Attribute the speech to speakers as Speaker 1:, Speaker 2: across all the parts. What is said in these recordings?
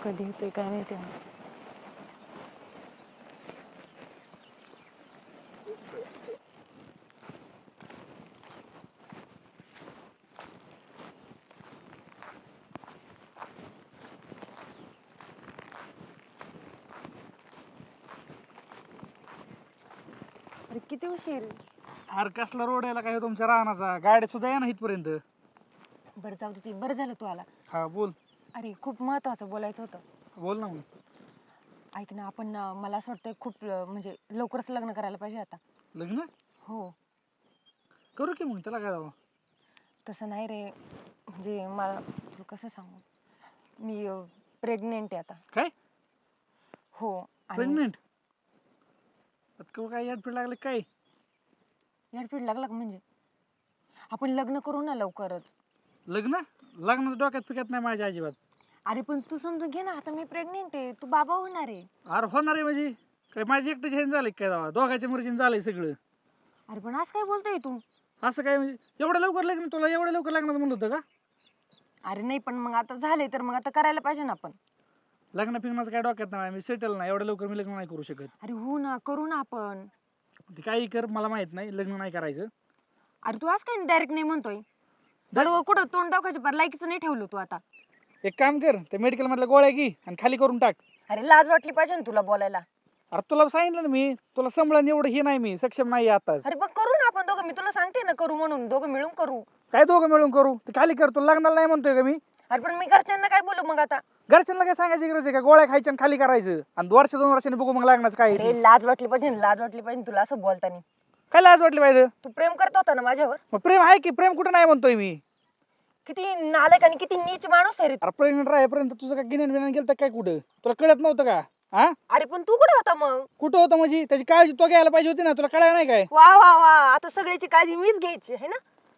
Speaker 1: कधी येतोय काय माहिती. अरे किती उशीर.
Speaker 2: अरे कसला रोड यायला काय तुमच्या रानाचा, गाड्या सुद्धा या ना इथपर्यंत.
Speaker 1: बरं जाऊ दे, ते बरं झालं तू आला.
Speaker 2: हा बोल.
Speaker 1: अरे खूप महत्वाचं बोलायचं होतं.
Speaker 2: बोल ना मग.
Speaker 1: ऐक ना, आपण मला असं वाटतं खूप म्हणजे लवकरच लग्न करायला पाहिजे आता.
Speaker 2: लग्न
Speaker 1: हो.
Speaker 2: करू की मग, त्याला काय जावं.
Speaker 1: तसं नाही रे, म्हणजे मला तुला कसं सांगू, मी प्रेग्नेंट आहे आता.
Speaker 2: काय
Speaker 1: हो. आणि
Speaker 2: प्रेग्नेंट? काय याडपीड लागले काय?
Speaker 1: याडपीड लागला का? म्हणजे आपण लग्न करू ना लवकरच.
Speaker 2: लग्न? लग्नाचं डोक्यात पिकत नाही माझ्या अजिबात.
Speaker 1: अरे पण तू समजून घे ना, आता मी प्रेग्नेंट आहे, तू बाबा होणार आहे.
Speaker 2: अरे होणार आहे म्हणजे काय माझी एकट्याची हेन झालंय काय जावा, दोघांच्या मर्जीने झालंय सगळं.
Speaker 1: अरे पण आज काय बोलतोय तू?
Speaker 2: असं काय म्हणजे एवढं लवकर लग्न, तुला एवढं लवकर लग्नाचं म्हणलं होतं का?
Speaker 1: अरे नाही, पण मग आता झाले तर मग आता करायला पाहिजे ना आपण.
Speaker 2: लग्न फिरण्याचं काय डोक्यात नाही, मी सेटल नाही, एवढं लवकर मी लग्न नाही करू शकत.
Speaker 1: अरे हो ना, करू ना आपण.
Speaker 2: ते काही कर, मला माहित नाही, लग्न नाही करायचं.
Speaker 1: अरे तू आज काय डायरेक्ट नाही म्हणतोय? बरं कुठं तोंड दाखवायचं, पर लायकीचं नाही ठेवलं तू आता.
Speaker 2: एक काम कर, ते मेडिकल मधल्या गोळ्या घे आणि खाली करून टाक.
Speaker 1: अरे लाज वाटली पाहिजे ना तुला बोलायला.
Speaker 2: अरे तुला सांगितलं ना मी, तुला सांभाळून एवढं हे नाही, मी सक्षम नाही आताच.
Speaker 1: अरे पण करू ना आपण दोघं, मी तुला सांगते ना करू म्हणून, दोघं मिळून करू.
Speaker 2: काय दोघं मिळून करू? ते खाली कर, तुला लग्नाला नाही म्हणतोय का मी.
Speaker 1: अरे पण मी घरच्यांना काय बोलू मग आता?
Speaker 2: घरच्यांना काय सांगायची गरज आहे का? गोळ्या खायच्या आणि खाली करायचं आणि वर्ष 2 वर्षांनी बघू मग लग्नाचं काय आहे ते.
Speaker 1: अरे लाज वाटली पाहिजे ना, लाज वाटली पाहिजे तुला असं बोलताना.
Speaker 2: काय लाज वाटली पाहिजे?
Speaker 1: तू प्रेम करत होता ना माझ्यावर.
Speaker 2: मग प्रेम आहे की, प्रेम कुठं नाही म्हणतोय मी.
Speaker 1: किती नालायक आणि किती नीच माणूस आहे रे.
Speaker 2: अरे प्रेग्नेंट राहेपर्यंत तुझं काय गिन्यान बिन्यान गेलं काय कुठं? तुला कळत नव्हतं का? हा,
Speaker 1: अरे पण तू कुठे होता मग?
Speaker 2: कुठं होतं म्हणजे? त्याची काळजी तो घ्यायला पाहिजे होती ना, तुला कळायला नाही काय?
Speaker 1: वा वा वा, आता सगळ्याची काळजी मीच घ्यायची आहे ना.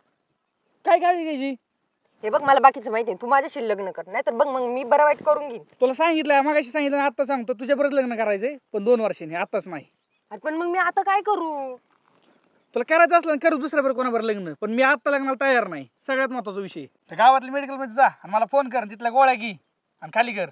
Speaker 2: काय काळजी घ्यायची?
Speaker 1: हे बघ, मला बाकीचं माहिती आहे, तू माझ्याशी लग्न कर, नाही तर बघ मग मी बरं वाईट करून घेईन.
Speaker 2: तुला सांगितलं, मागाशी सांगितलं, आता सांगतो तुझ्या बरंच लग्न करायचंय, पण 2 वर्षांनी, आताच नाही.
Speaker 1: अरे पण मग मी आता काय करू?
Speaker 2: तुला करायचं असलं करू दुसऱ्याबरोबर कोणाबरोबर लग्न, पण मी आता लग्नाला तयार नाही. सगळ्यात महत्वाचा विषय, त्या गावातल्या मेडिकल मध्ये जा आणि मला फोन कर, तिथल्या गोळ्या घे आणि खाली कर.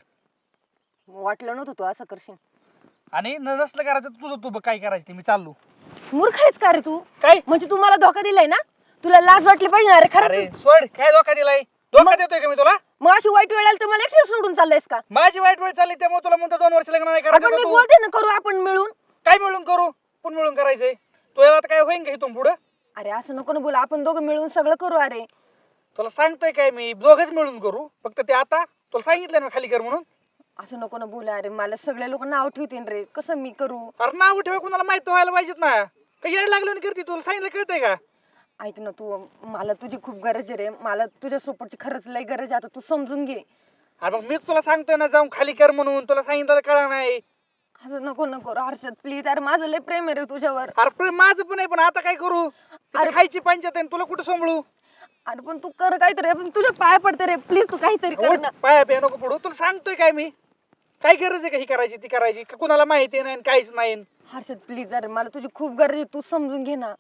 Speaker 1: वाटलं नव्हतं तू असं करशील.
Speaker 2: आणि नसलं करायचं तुझं, तू बघ काय करायचं ते, मी चाललो.
Speaker 1: मूर्ख आहेस का रे तू?
Speaker 2: काय?
Speaker 1: म्हणजे तू मला धोका दिलाय ना? तुला लाज वाटली पाहिजे ना. अरे
Speaker 2: अरे
Speaker 1: खरं
Speaker 2: सोड, काय धोका दिलाय? धोका देतोय का मी तुला?
Speaker 1: मग अशी वाईट वेळ आली तर मला एकटी सोडून चाललायस का?
Speaker 2: माझी वाईट वेळ चालली त्यामुळे तुला म्हणतो 2 वर्ष लग्न नाही
Speaker 1: आपण
Speaker 2: करायचं
Speaker 1: मी
Speaker 2: का तू?
Speaker 1: बोलते ना, करू आपण मिळून.
Speaker 2: काय मिळून करू? पण मिळून करायचंय. तुला आता काय होईन का इथून पुढं?
Speaker 1: अरे असं नको ना बोल, आपण दोघं मिळून सगळं करू. अरे
Speaker 2: तुला सांगतोय काय मी, दोघंच मिळून करू. फक्त ते आता तुला सांगितलं ना खाली कर म्हणून.
Speaker 1: असं नको ना बोल. अरे मला सगळे लोक नाव ठेवतील रे, कसं मी करू?
Speaker 2: अरे नाव ठेवा, कुणाला माहित व्हायला पाहिजेत ना. काही येड लागलं करते, तुला सांगितलं कळतंय का?
Speaker 1: ऐक ना तू, मला तुझी खूप गरज आहे रे, मला तुझ्या सपोर्टची खरंच लय गरज आहे. आता तू समजून घे.
Speaker 2: अरे मग मीच तुला सांगतोय ना जाऊन खाली कर म्हणून, तुला सांगितलं कळलं नाही.
Speaker 1: असं नको नको हर्षद प्लीज. अरे माझं लय प्रेम आहे रे तुझ्यावर.
Speaker 2: अरे प्रेम माझं पण आहे, पण आता काय करू?
Speaker 1: अरे
Speaker 2: खायची पंचायत आहे, तुला कुठं सांभाळू?
Speaker 1: अरे पण तू कर काहीतरी, पण तुझ्या पाया पडते रे प्लीज, तू काहीतरी कर ना.
Speaker 2: पाया बिया नको पडू, तुला सांगतोय काय मी. काय गरज आहे का ही करायची ती करायची? का कुणाला माहिती नाही काहीच नाही?
Speaker 1: हर्षद प्लीज, अरे मला तुझी खूप गरज आहे, तू समजून घे ना.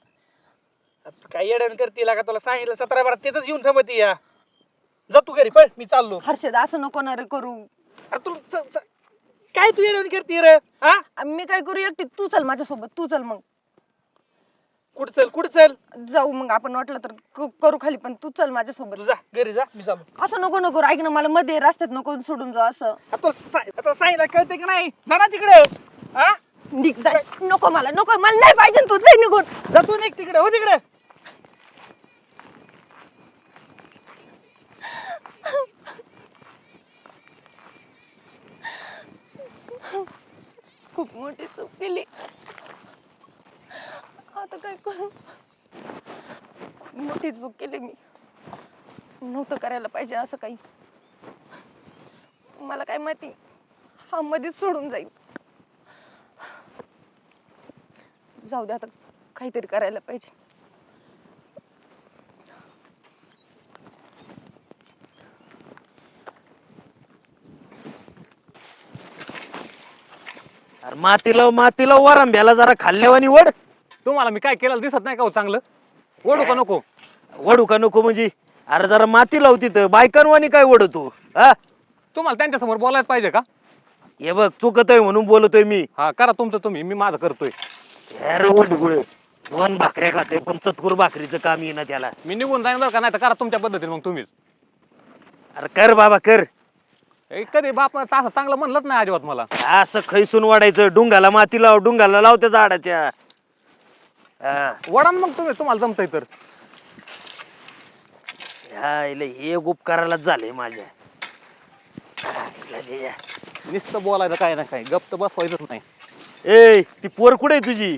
Speaker 2: तू काय येडण करते का? तुला सांगितलं 17-12 तिथंच येऊन थांबती या. जा तू घरी पळ, मी चाललो.
Speaker 1: हर्षद असं नको ना रे करू.
Speaker 2: अरे तू काय तू येडण करते रे? हा,
Speaker 1: मी काय करू एकटी? तू चल माझ्यासोबत, तू चल मग.
Speaker 2: कुठं चल, कुठं चल?
Speaker 1: जाऊ मग आपण, वाटलं तर करू खाली, पण तू चल माझ्यासोबत.
Speaker 2: तू जा घरी जा, मी चाललो.
Speaker 1: असं नको नको, ऐक ना, मला मध्ये रस्त्यात नको सोडून जाऊ. असं
Speaker 2: आता सांगितलं कळते की नाही? जा ना तिकडे. हा,
Speaker 1: निघ जा. नको मला, नको मला नाही पाहिजे, तू जाई निघून.
Speaker 2: जा तू, निघ तिकडे. हो तिकडे.
Speaker 1: खूप मोठी चूक केली, आता काय करू? खूप मोठी चूक केली मी, नव्हतं करायला पाहिजे असं काही. मला काय माहिती हा मध्येच सोडून जाईल. जाऊ दे, आता काहीतरी करायला पाहिजे.
Speaker 3: अरे मातीला वरंब्याला जरा खाल्ल्यावानी वड.
Speaker 4: तुम्हाला मी काय केलं दिसत नाही का हो चांगलं? ओढू का नको?
Speaker 3: वडू का नको म्हणजे? अरे जरा माती लाव तिथं, बायकांवानी काय वडतो? हा,
Speaker 4: तुम्हाला त्यांच्यासमोर बोलायच पाहिजे का?
Speaker 3: हे बघ चुकतोय म्हणून बोलतोय मी.
Speaker 4: हा करा तुमचं तुम्ही, मी माझं करतोय.
Speaker 3: अरे वडगुळ 2 भाकऱ्या खाते पण चतकुर भाकरीचं काम येईना त्याला.
Speaker 4: मी निघून जाईन बरं का, नाही तर करा तुमच्या पद्धतीने मग तुम्हीच.
Speaker 3: अरे कर बाबा कर.
Speaker 4: कधी बाप असं चांगलं म्हणलंच नाही अजिबात मला.
Speaker 3: असं खैसून वाढायचं, डुंगाला माती लाव, डुंगाला लाव त्या झाडाच्या. हा.
Speaker 4: वडान मग तुम्ही, तुम्हाला जमतंय तर.
Speaker 3: ह्या इले हे उपकारालाच झाले माझ्या.
Speaker 4: नुसतं बोलायचं काय ना काय, गप्प तर बसवायचंच नाही.
Speaker 3: ए ती पोर कुठे आहे तुझी?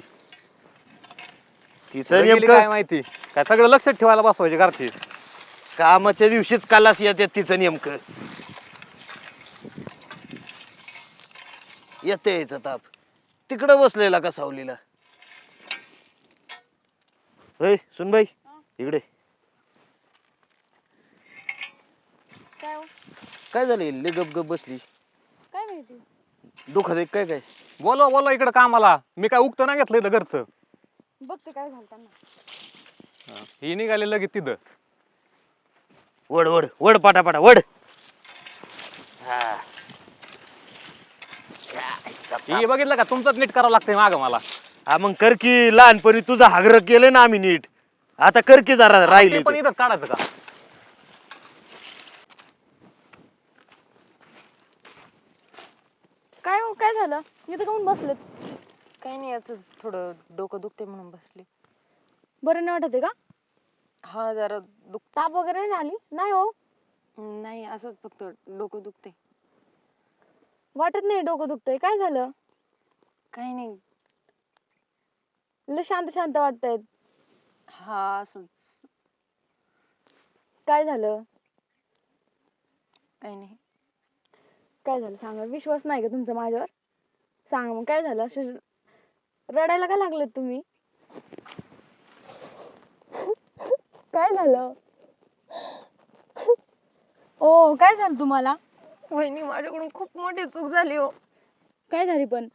Speaker 3: तिचं
Speaker 4: गेली
Speaker 3: नेमकं
Speaker 4: काय माहिती, काय सगळं लक्षात ठेवायला बसवायचे घरची.
Speaker 3: कामाच्या दिवशीच कालास येते तिचं नेमकं. येते यायचं ताप. तिकडं बसलेला का सावलीला? होय सुनबाई इकडे.
Speaker 1: काय हो?
Speaker 3: काय झालं इल्ले गप गप बसली?
Speaker 1: काय माहिती.
Speaker 3: दुखत आहे काय काय?
Speaker 4: बोलवा बोलवा इकडं कामाला, मी काय उगतं नाही घेतलं इथं घरचं.
Speaker 1: बघते काय झालं त्यांना.
Speaker 4: ही निघाले लगेच तिथं.
Speaker 3: वड वड वड पाटापाटा वड. हा.
Speaker 4: ही बघितलं का, तुमचंच नीट करावं लागतंय मागं मला.
Speaker 3: हा मग कर की, लहानपणी तुझं हागर केलं ना आम्ही नीट. आता कर की जरा राहिले
Speaker 4: ते पण इथंच काढायचं का?
Speaker 1: काय हो, काय झालं? इथं काऊन बसलेत? काही नाही, याच थोडं डोकं दुखते म्हणून बसले. बरं नाही वाटत आहे का? हा जरा ताप वगैरे नाही आली? नाही हो. नाही, असंच फक्त डोकं दुखते. वाटत नाही डोकं दुखतंय. काय झालं? काही नाही, लय शांत शांत वाटतंय. हा असंच. काय झालं? काही नाही. काय झालं सांगा, विश्वास नाही का तुमचा माझ्यावर? सांगा मग काय झालं? असे रडायला का लागलेत तुम्ही? काय झालं? ओ काय झालं तुम्हाला? वहिनी माझ्याकडून खूप मोठी चूक झाली हो. काय झाली पण?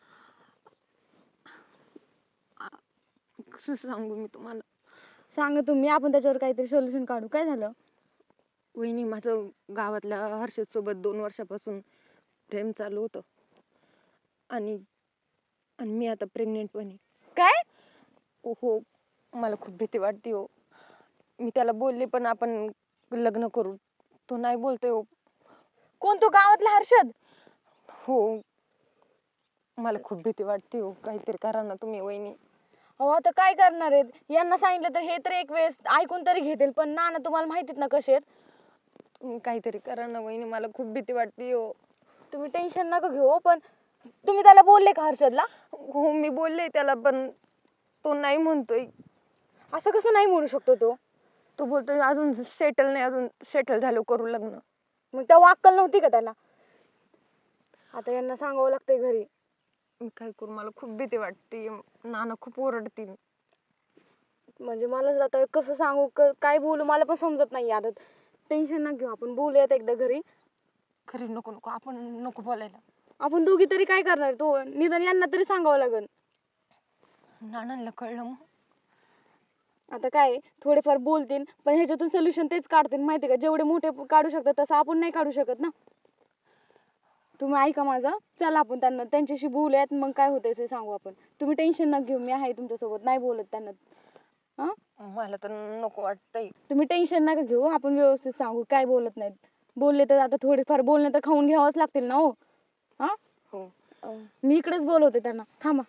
Speaker 1: कसं सांगू मी तुम्हाला? सांगा तुम्ही, आपण त्याच्यावर काहीतरी सोल्युशन काढू. काय झालं? वहिनी माझं गावातल्या हर्षद सोबत 2 वर्षापासून प्रेम चालू होतं. आणि आणि मी आता प्रेग्नेंट पण आहे. काय? हो, मला खूप भीती वाटते हो. मी त्याला बोलले पण आपण लग्न करू. तो नाही बोलतोय हो. कोण तो गावातला हर्षद? हो. मला खूप भीती वाटते हो. काहीतरी करा ना तुम्ही वहिनी. हो आता काय करणार आहेत? यांना सांगितलं तर हे तर एक वेळेस ऐकून तरी घेतील, पण नाना तुम्हाला माहितीत ना कसे आहेत. तुम्ही काहीतरी करा ना वहिनी, मला खूप भीती वाटते हो. तुम्ही टेन्शन नका घेऊ हो, पण तुम्ही त्याला बोलले का हर्षदला? हो मी बोलले त्याला, पण तो नाही म्हणतोय. असं कसं नाही म्हणू शकतो तो? तो बोलतोय अजून सेटल नाही, अजून सेटल झालो करू लग्न. मग तेव्हा अक्कल नव्हती का त्याला? आता यांना सांगावं लागतंय घरी. मी काय करू, मला खूप भीती वाटते. नाना खूप ओरडतील. म्हणजे मला आता कसं सांगू, काय बोलू मला पण समजत नाही. आता टेन्शन नका घेऊ, आपण बोलूयात एकदा घरी. घरी नको नको, आपण नको बोलायला. आपण दोघी तरी काय करणार? तो निदान यांना तरी सांगावं लागेल. नानांना कळलं मग आता काय थोडेफार बोलतील, पण ह्याच्यातून सोल्युशन तेच काढतील माहिती का? जेवढे मोठे काढू शकतात तसं आपण नाही काढू शकत ना. तुम्ही ऐका माझं, चला आपण त्यांच्याशी बोलूयात, मग काय होतंय ते सांगू आपण. तुम्ही टेन्शन नका घेऊ, मी आहे तुमच्यासोबत. नाही बोलत त्यांना. हा मला तर नको वाटतंय. तुम्ही टेन्शन नका घेऊ, आपण व्यवस्थित सांगू. काय बोलत नाहीत. बोलले तर आता थोडेफार बोलणे तर खाऊन घ्यावंच लागतील ना हो. हा हो, मी इकडेच बोलवते त्यांना. थांबा.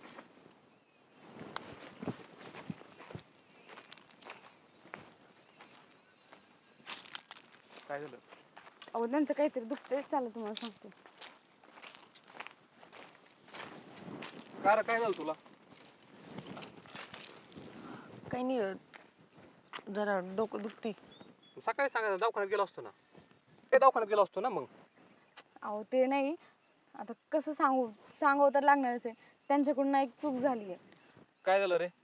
Speaker 4: काय झालं?
Speaker 1: अहो त्यांचं काहीतरी दुखतंय, चला तुम्हाला सांगते.
Speaker 4: काय झालं तुला?
Speaker 1: काही नाही, जरा डोकं दुखते.
Speaker 4: सकाळी सांगायचं, दवाखान्यात गेलो असतो ना. ते दवाखान्यात गेलो असतो ना मग.
Speaker 1: अहो ते नाही, आता कसं सांगावं तर लागणारच आहे. त्यांच्याकडून ना एक चूक झाली आहे.
Speaker 4: काय झालं रे?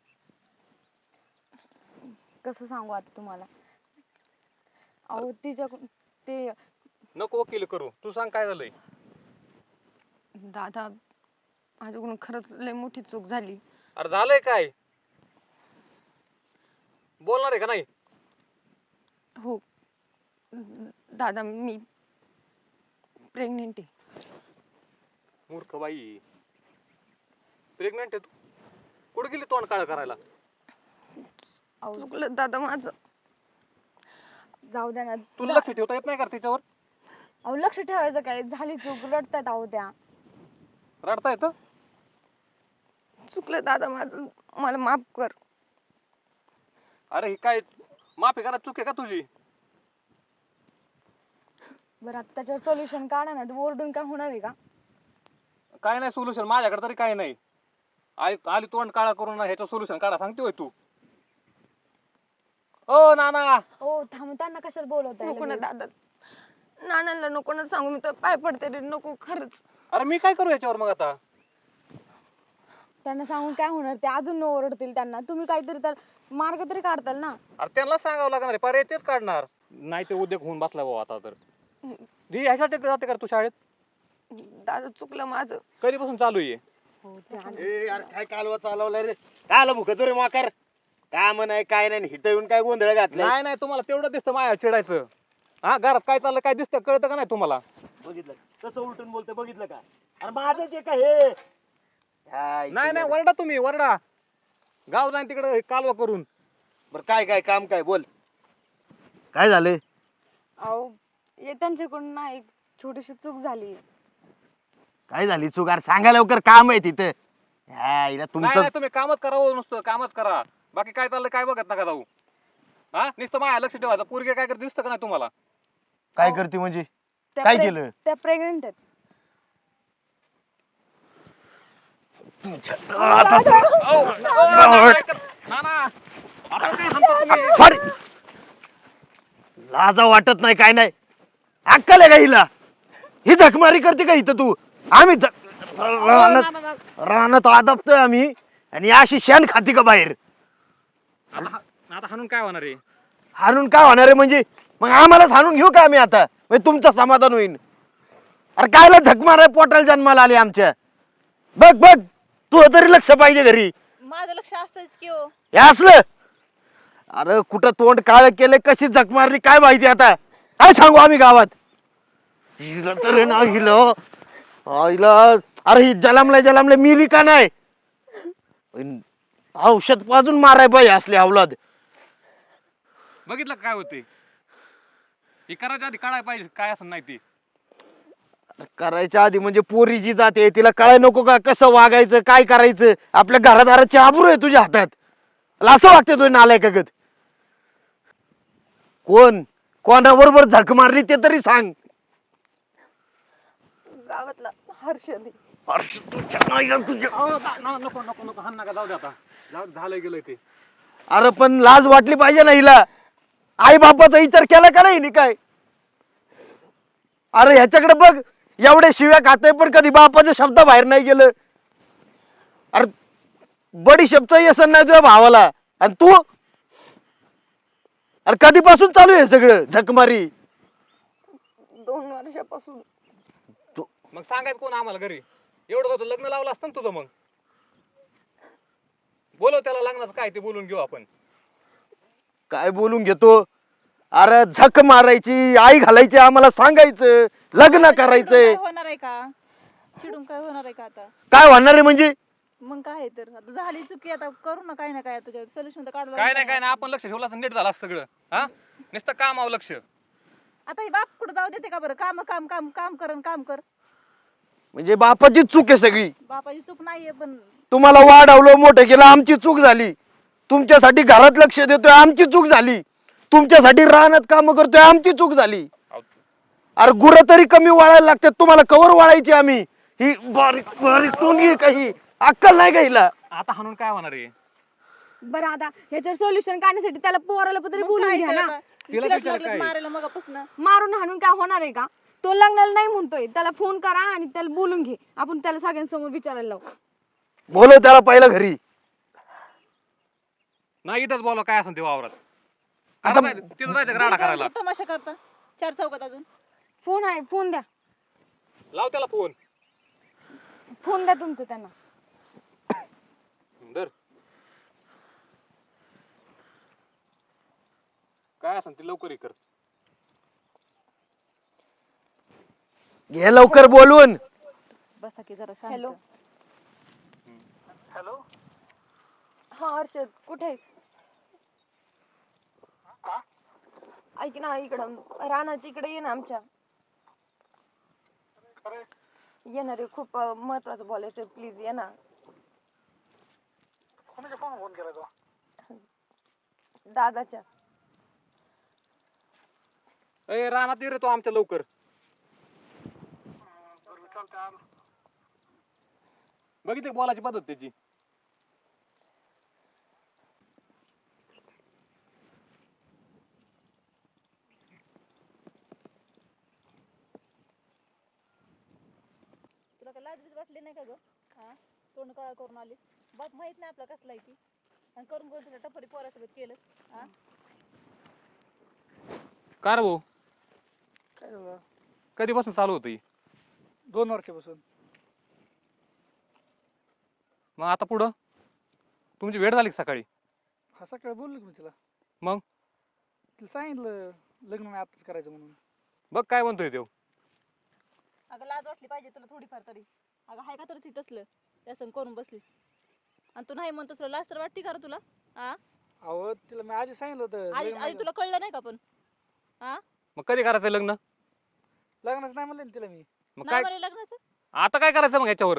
Speaker 1: कसं सांगू आता तुम्हाला? अहो तिच्याकडून ते
Speaker 4: नको वकील करू, तू सांग काय झालंय.
Speaker 1: दादा, माझ्याकडून खरंच लय मोठी चूक झाली.
Speaker 4: अरे झालंय काय? बोलणार आहे का नाही?
Speaker 1: हो दादा, मी प्रेग्नेंट आहे.
Speaker 4: मूर्ख बाई, प्रेग्नेंट आहे तू? कुठे गेली तोंड काळ करायला?
Speaker 1: चुकलं दादा माझं. जाऊ द्या ना.
Speaker 4: तुला लक्ष ठेवता येत नाही का तिच्यावर?
Speaker 1: अहो लक्ष ठेवायचं काय, झाली चूक, रडतायत अहो त्या.
Speaker 4: रडता येतं?
Speaker 1: चुकलं दादा माझं, मला माफ कर.
Speaker 4: अरे ही काय माफी करा, चूक आहे का तुझी?
Speaker 1: बरं आता त्याच्यावर सोल्युशन काढा ना. तू ओरडून काय होणार आहे का?
Speaker 4: काय नाही सोल्युशन माझ्याकडे तरी काय नाही. आली तोंड काळा करून ह्याचं सोल्युशन काढा सांगते होय तू? ओ नाना,
Speaker 1: हो थांब, त्यांना कशाला बोलवताय? नको ना दादा, नानांना नको ना सांगू, मी तर पाय पडते रे, नको खरंच.
Speaker 4: अरे मी काय करू याच्यावर मग आता?
Speaker 1: त्यांना सांगून काय होणार, ते अजून ओरडतील त्यांना. तुम्ही काहीतरी तर मार्ग तरी काढताल ना.
Speaker 4: अरे त्यांना सांगावं लागणार आहे, पर्याय तेच काढणार नाही. ते उद्योग होऊन बसला भाऊ आता तर. ह्याच्यासाठी जाते का तू शाळेत?
Speaker 1: दादा चुकलं माझं.
Speaker 4: कधीपासून चालू आहे?
Speaker 1: हो ते आलं.
Speaker 3: ए यार काय कालवा चालवलाय रे? काय आलं भुकतो रे माकर? काम नाही काय नाही, हिथं येऊन काय गोंधळ घातलाय?
Speaker 4: नाही नाही, तुम्हाला तेवढं दिसतं माया चिडायचं. हा, घरात काय चाललं काय दिसतं कळतं का नाही तुम्हाला?
Speaker 3: बघितलं कसं उलटून बोलतोय, बघितलं का? अरे माझंच आहे का हे?
Speaker 4: नाही नाही, वरडा तुम्ही, वरडा. गाव जाईन तिकडे कालवा करून.
Speaker 3: बरं काय काय काम काय बोल, काय झालंय?
Speaker 1: अहो हे त्यांच्याकडून ना एक छोटीशी चूक झाली.
Speaker 3: काय झाली चूक? अरे सांगा लवकर, काम आहे तिथं. हिला
Speaker 4: नाही
Speaker 3: तुमचं
Speaker 4: नाही, तुम्ही कामच करा हो, नुसतं कामच करा. बाकी काय चाललं काय बघत नका जाऊ. हा, नुसतं माया लक्ष ठेवायचं. पोरगे काय करत दिसतं का नाही तुम्हाला?
Speaker 3: काय करते म्हणजे?
Speaker 1: त्या
Speaker 3: काय केलं?
Speaker 1: त्या प्रेग्नेंट आहेत.
Speaker 3: सॉरी, लाजा वाटत नाही काय नाही? अक्कल आहे का हिला? ही झकमारी करते का इथं तू? आम्ही रानात आदबतोय आम्ही, आणि अशी शेण खाती का बाहेर?
Speaker 4: आता हाणून काय होणार आहे?
Speaker 3: हाणून काय होणार आहे म्हणजे? मग आम्हालाच हाणून घेऊ का आम्ही आता? म्हणजे तुमचं समाधान होईल? अरे कायला झक माराय, पोटाला जन्माला आले आमच्या. बघ बघ, तू तरी लक्ष पाहिजे घरी.
Speaker 5: माझं लक्ष असतंच की हो.
Speaker 3: हे असलं? अरे कुठं तोंड काळ केलं, कशी झक मारली काय माहिती आता? काय सांगू आम्ही गावात? हिला तर ना हिला हिला, अरे ही जलमले मिली का नाही? औषध पाजून माराय पाहिजे असले अवलाद.
Speaker 4: बघितलं काय होते? हे करायच्या आधी काढायला पाहिजे काय असं नाही ते.
Speaker 3: करायच्या आधी म्हणजे पोरी जी जाते तिला कळाय नको का कसं वागायचं, काय करायचं? आपल्या घरादाराची आबरू आहे तुझ्या हातात. असं वागते तुझ्या नालायकागत. कोणाबरोबर झक मारली ते तरी सांग.
Speaker 1: गावातला हर्षद.
Speaker 4: नको नको नको, हाण नका, जाऊ दे आता. जाऊ दे, झालंय गेलंय ते.
Speaker 3: अरे पण लाज वाटली पाहिजे ना हिला. आई बापाचा विचार केला का नाही काय? अरे ह्याच्याकडे बघ, एवढे शिव्या खाते पण कधी बापाच्या शब्द बाहेर नाही गेलं. अरे बडी शब्द येसन नाही तुझ्या भावाला, आणि तू? अरे कधीपासून चालू आहे सगळं झकमारी?
Speaker 1: 2 वर्षापासून.
Speaker 4: मग सांगायचं कोण आम्हाला घरी? एवढं होतं लग्न लावलं असतं ना तुझं. मग बोलव त्याला, लग्नाचं काय ते बोलून घेऊ आपण.
Speaker 3: काय बोलून घेतो? अरे झक मारायची, आई घालायची, आम्हाला सांगायचं, लग्न करायचंय.
Speaker 5: काय होणार आहे का? चिडून काय होणार आहे का आता?
Speaker 3: काय होणार आहे म्हणजे?
Speaker 5: मग काय आहे तर, आता झाली चुकी, आता करू ना काय ना काय, आता सोल्युशन तर काढू
Speaker 4: काय नाही काय नाही, आपण लक्ष ठेवलं असतं नीट झालं असतं सगळं. हा, नुसतं कामावर लक्ष.
Speaker 5: आता हे बाप कुठं जाऊ देते का बरं? काम काम काम काम काम कर.
Speaker 3: म्हणजे बापाची चूक आहे सगळी.
Speaker 5: बापाची चूक नाहीये, पण
Speaker 3: तुम्हाला वाढवलं, मोठं केलं, आमची चूक झाली. तुमच्यासाठी घरात लक्ष देतोय, आमची चूक झाली. तुमच्यासाठी रानात काम करतोय, आमची चूक झाली. अरे गुरं तरी कमी वाळायला लागतात, तुम्हाला कवर वाळायची आम्ही? ही बारीक बारीक टोनगी काही अक्कल नाही का हिला?
Speaker 4: आता हाणून काय होणार आहे?
Speaker 1: बरं आता ह्याच्यावर सोल्युशन काढण्यासाठी त्याला पोराला तरी
Speaker 5: मग
Speaker 1: बोलून
Speaker 5: काय
Speaker 1: घ्या
Speaker 5: केलं
Speaker 1: ना.
Speaker 5: आता?
Speaker 4: तिला
Speaker 5: तिलाच
Speaker 4: विचार
Speaker 5: लागलं
Speaker 4: काय?
Speaker 5: मारायला मगापासून.
Speaker 1: मारून हाणून काय होणार आहे का? तो लग्नाला नाही म्हणतोय, त्याला फोन करा आणि त्याला बोलून घे. आपण त्याला सगळ्यांसमोर विचारायला लावू.
Speaker 3: बोलव त्याला पहिलं घरी.
Speaker 4: नाही इथंच बोला काय असं ते वावरात.
Speaker 3: आता
Speaker 4: तिथं जायचं राडा करायला.
Speaker 5: तमाशा करता 4 चौकात अजून.
Speaker 1: फोन आहे, फोन द्या.
Speaker 4: लाव त्याला फोन.
Speaker 1: फोन द्या तुमचं त्यांना.
Speaker 4: धर. काय असं ते लवकर हे कर.
Speaker 3: घे लवकर बोलून.
Speaker 5: बसा की जरा शांत.
Speaker 1: हॅलो. हा हर्षद कुठे आहेस? ऐक ना इकडं रानाच्या इकडे ये ना आमच्या. ये ना रे खूप महत्वाचं बोलायचं प्लीज ये ना. दादाच्या.
Speaker 4: ए रानात ये रे तो आमच्या लवकर. बघितली बोलायची पद्धत त्याची.
Speaker 5: तुला काय लाज बीज वाटली नाही का ग? हा तोंड काळा करून आलीस. बाप माहित नाही आपला कसला आहे ती. आणि करून करून तुला टपरी पोरासोबत केलं. हा
Speaker 4: का रे भाऊ
Speaker 2: काय झालं?
Speaker 4: कधीपासून चालू होतं ही?
Speaker 2: 2 वर्षापासून.
Speaker 4: मग आता पुढं तुमची वेळ झाली का सकाळी?
Speaker 2: हा सकाळी बोललो की मी तिला.
Speaker 4: मग?
Speaker 2: तिला सांगितलं लग्न नाही आताच करायचं म्हणून.
Speaker 4: बघ काय म्हणतोय तो.
Speaker 5: अगं लाज वाटली पाहिजे तुला थोडीफार तरी. अगं हाय का तर ती तसलं त्या संग करून बसलीस. आणि तू नाही म्हणतोस तुला लाज तर वाटते का रे तुला? हा
Speaker 2: अहो तिला मी आधी सांगितलं होतं
Speaker 5: आधी
Speaker 2: लग्न
Speaker 5: आधी
Speaker 2: नाही
Speaker 5: तुला कळलं नाही का पण? हा
Speaker 4: मग कधी करायचं लग्न?
Speaker 2: लग्नच नाही म्हणलं ना तिला मी.
Speaker 4: मग
Speaker 5: नाही
Speaker 4: काय
Speaker 5: मला लग्नाचं.
Speaker 4: आता काय करायचं मग याच्यावर?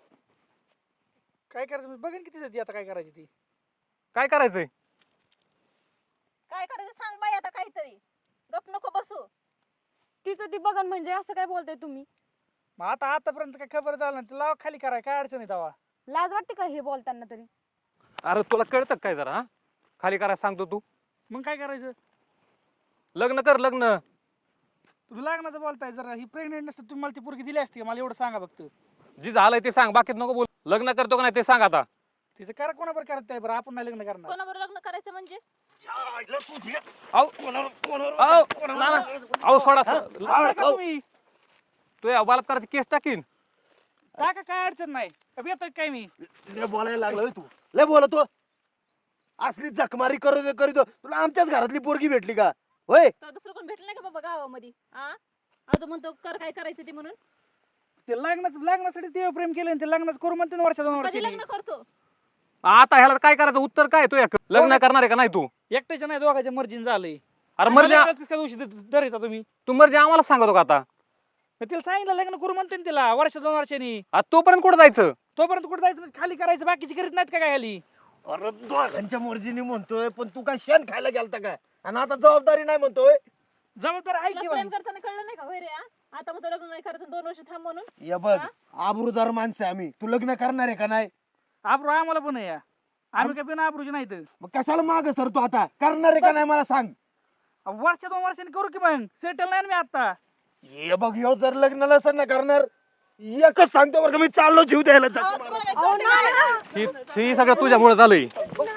Speaker 2: काय करायचं मी बघेन किती ती आता काय करायची ती.
Speaker 4: काय करायचंय?
Speaker 5: काय करायचं सांग बाई आता काहीतरी. गप नको बसू.
Speaker 1: तिचं ती बघन म्हणजे असं काय बोलताय तुम्ही?
Speaker 2: मग आता आतापर्यंत काय खबर झालं ना तिला खाली कराय काय अडचण आहे तेव्हा.
Speaker 1: लाज वाटते का हे बोलताना तरी?
Speaker 4: अरे तुला कळतं काय जरा? हा खाली करायला सांगतो तू.
Speaker 2: मग काय करायचं?
Speaker 4: लग्न कर लग्न.
Speaker 2: तुम्ही लग्नाचं बोलताय जरा ही प्रेग्नेंट नसतं तुम्ही मला ती पोरगी दिली असती का? मला एवढं सांगा फक्त.
Speaker 4: जी झालंय ते सांग, बाकीत नको बोल. लग्न करतो का नाही ते सांग आता.
Speaker 2: तिचं करा कोणाबर करत आहे बरं आपण नाही लग्न करणार.
Speaker 5: कोणाबरोबर लग्न करायचं म्हणजे?
Speaker 4: अहो नाना, अहो सोडा.
Speaker 2: लावडा का तुम्ही?
Speaker 4: तू या बलात्काराची केस टाकीन.
Speaker 2: टाका काय अडचण नाही. का येतोय काय मी?
Speaker 3: लय बोलायला लागला होय तू. लय बोलतो. असली जखमारी करीतो तुला आमच्याच घरातली पोरगी भेटली का होय?
Speaker 5: तर दुसरं कोण भेटलं नाही का बाबा गावामध्ये? हा अजून म्हणतो कर काय करायचं ते म्हणून.
Speaker 2: ते लग्नासाठी ते प्रेम केलं आणि ते लग्नाचं करू म्हणते ना वर्षा 2
Speaker 5: कधी
Speaker 2: वर्षांनी.
Speaker 5: लग्न करतो?
Speaker 4: आता ह्याला काय करायचं? उत्तर काय तू? लग्न करणार आहे का नाही तू?
Speaker 2: एकट्याच्या नाही दोघांच्या मर्जीने झालंय.
Speaker 4: अरे मर्जी
Speaker 2: काय दिवशी धरायचा तुम्ही?
Speaker 4: तू मर्जी आम्हाला सांगतो का आता?
Speaker 2: मग तिला सांगितलं लग्न करू म्हणते ना तिला वर्षा 2 वर्षांनी.
Speaker 4: आता तोपर्यंत कुठं जायचं?
Speaker 2: तोपर्यंत कुठे जायचं म्हणजे खाली करायचं बाकीची करीत नाहीत का काय खाली?
Speaker 3: अरे दोघांच्या मर्जीने म्हणतोय पण तू काय शेण खायला गेलता काय? आणि आता जबाबदारी नाही म्हणतोय.
Speaker 2: जबाबदार आहे
Speaker 5: तुला
Speaker 2: की
Speaker 5: प्रेम
Speaker 2: मग.
Speaker 5: करताना कळलं नाही का होय रे? हा? आता म्हणतो लग्न नाही करायचं 2 वर्ष थांब म्हणून.
Speaker 3: ये बघ आबरूदार माणसं आहे आम्ही. तू लग्न करणार आहे का नाही?
Speaker 2: आबरू आम्हाला पण आहे या. आम्ही काय बिना आबरूची नाही तर.
Speaker 3: मग कशाला माग सर तू आता करणार आहे का नाही मला सांग.
Speaker 2: वर्षा 2 वर्षांनी करू की मग सेटल नाही ना मी आता.
Speaker 3: ये बघ ह्यो जर लग्न नसेल ना करणार एकच सांगतो बरं का मी चाललो जीव द्यायला
Speaker 5: अहो,
Speaker 3: जातो.
Speaker 5: तुम्हाला काय कळतं का?
Speaker 4: ही सगळं तुझ्यामुळे झालंय.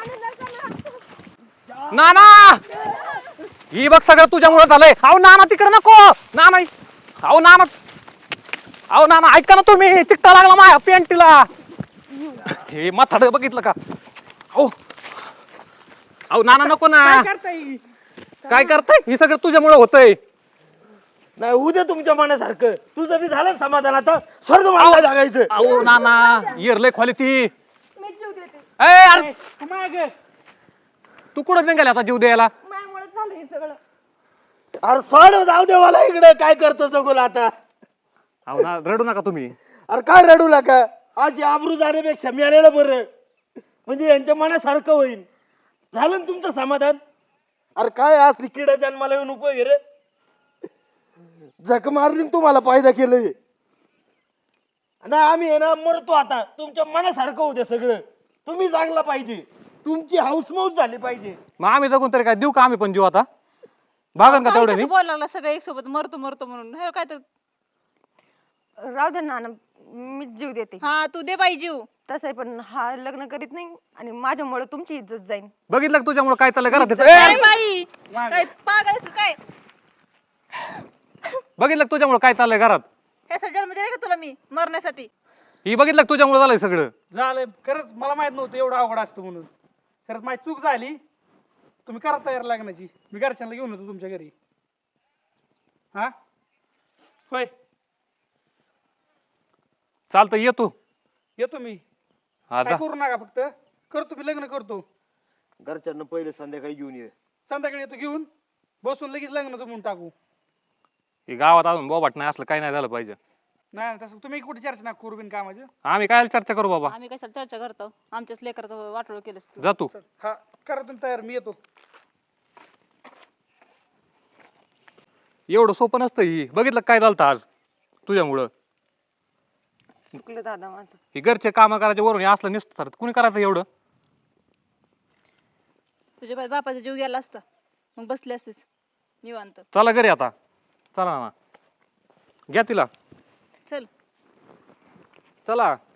Speaker 4: नाना, ही बघ सगळं तुझ्यामुळे झालंय. अहो नाना तिकडे नको. नाना, अहो नाना, अहो नाना ऐका ना तुम्ही. चिकटा लागला माझ्या पेंटीला. हे माथाड बघितलं का? अहो अहो नाना नको ना.
Speaker 2: काय करताय?
Speaker 4: काय करताय? हे सगळं तुझ्यामुळे होतंय.
Speaker 3: नाही उद्या तुमच्या मनासारखं तुझं बी झालं समाधान आता स्वर्ग मला जागायचं.
Speaker 4: अहो नाना, इरलय खोली ती.
Speaker 1: मी जीव देते.
Speaker 4: अरे
Speaker 2: माग
Speaker 4: तू कुठं निघाला आता जीव द्यायला?
Speaker 1: माझ्यामुळेच झालं हे सगळं.
Speaker 3: अरे सोड जाऊ दे मला इकडे काय करतो जगोल आता.
Speaker 4: अहो ना रडू नका तुम्ही.
Speaker 3: अरे काय रडू नका. आज आबरू जाण्यापेक्षा मिळालेलं बरं म्हणजे यांच्या मनासारखं होईल. झालं ना तुमचं समाधान. अरे काय असली किडा जन्माला येऊन उपयोग आहे रे. जख मारली न तुम्हाला फायदा केलंय ना. आम्ही आहे ना मरतो आता. तुमच्या मनासारखं होऊ द्या सगळं. तुम्ही चांगला पाहिजे. तुमची हाऊसमौज झाली पाहिजे.
Speaker 4: मग आम्ही जगून तरी काय देऊ का आम्ही पण जीव आता? भागन का
Speaker 5: काही
Speaker 4: तेवढ्यानी?
Speaker 5: कसं बोलायला लागला सगळं एक सोबत मरतो मरतो म्हणून. हे काय तर
Speaker 1: राहू दे नाना मी जीव देते.
Speaker 5: हा तू दे बाई जीव.
Speaker 1: तसंही पण हा लग्न करीत नाही आणि माझ्यामुळे तुमची इज्जत जाईल.
Speaker 4: बघितलं का तुझ्यामुळे काय चाललंय घरात?
Speaker 5: काय बाई काय पागायचं काय?
Speaker 4: बघितलं का तुझ्यामुळे काय चाललंय घरात?
Speaker 5: ह्या जन्म दिला का तुला मी मरण्यासाठी?
Speaker 4: ही बघितलं का तुझ्यामुळे झालंय सगळं?
Speaker 2: झालंय खरंच मला माहित नव्हतं एवढं अवघड असतं म्हणून. खरंच माझी चूक झाली. तुम्ही करा तयार लग्नाची. मी घरच्यांना घेऊन येतो तुमच्या घरी. हा होय
Speaker 4: चालतं येतो.
Speaker 2: येतो मी.
Speaker 4: हा
Speaker 2: काय
Speaker 4: जा.
Speaker 2: करू नका, फक्त करतो मी लग्न करतो.
Speaker 3: घरच्यांना पहिले संध्याकाळी घेऊन ये.
Speaker 2: संध्याकाळी येतो घेऊन, बसून लगेच लग्न जमून टाकू.
Speaker 4: हे गावात अजून बोबाट नाही असलं काही नाही झालं पाहिजे.
Speaker 2: नाही तसं तुम्ही कुठे चर्चा नका करू बिन कामाचं.
Speaker 4: आम्ही काय चर्चा करू बाबा.
Speaker 5: आम्ही कशाला चर्चा करतो, आमच्याच लेकराचं वाटोळ केलंस तू.
Speaker 4: जा तू.
Speaker 2: हा करा तुम्ही तयार, मी येतो.
Speaker 4: एवढं सोपं नसतं ही. बघितलं काय झालं आज तुझ्यामुळं.
Speaker 1: चुकलं दादा माझं.
Speaker 4: ही घरचे काम करायचे वरून हे असलं नसतं. कुणी करायचं एवढं.
Speaker 5: तुझ्या बापाचा जीव गेला असता मग बसले असतेस निवांत.
Speaker 4: चला घरी आता. चला ना, घ्या तिला.
Speaker 5: चल.
Speaker 4: चला.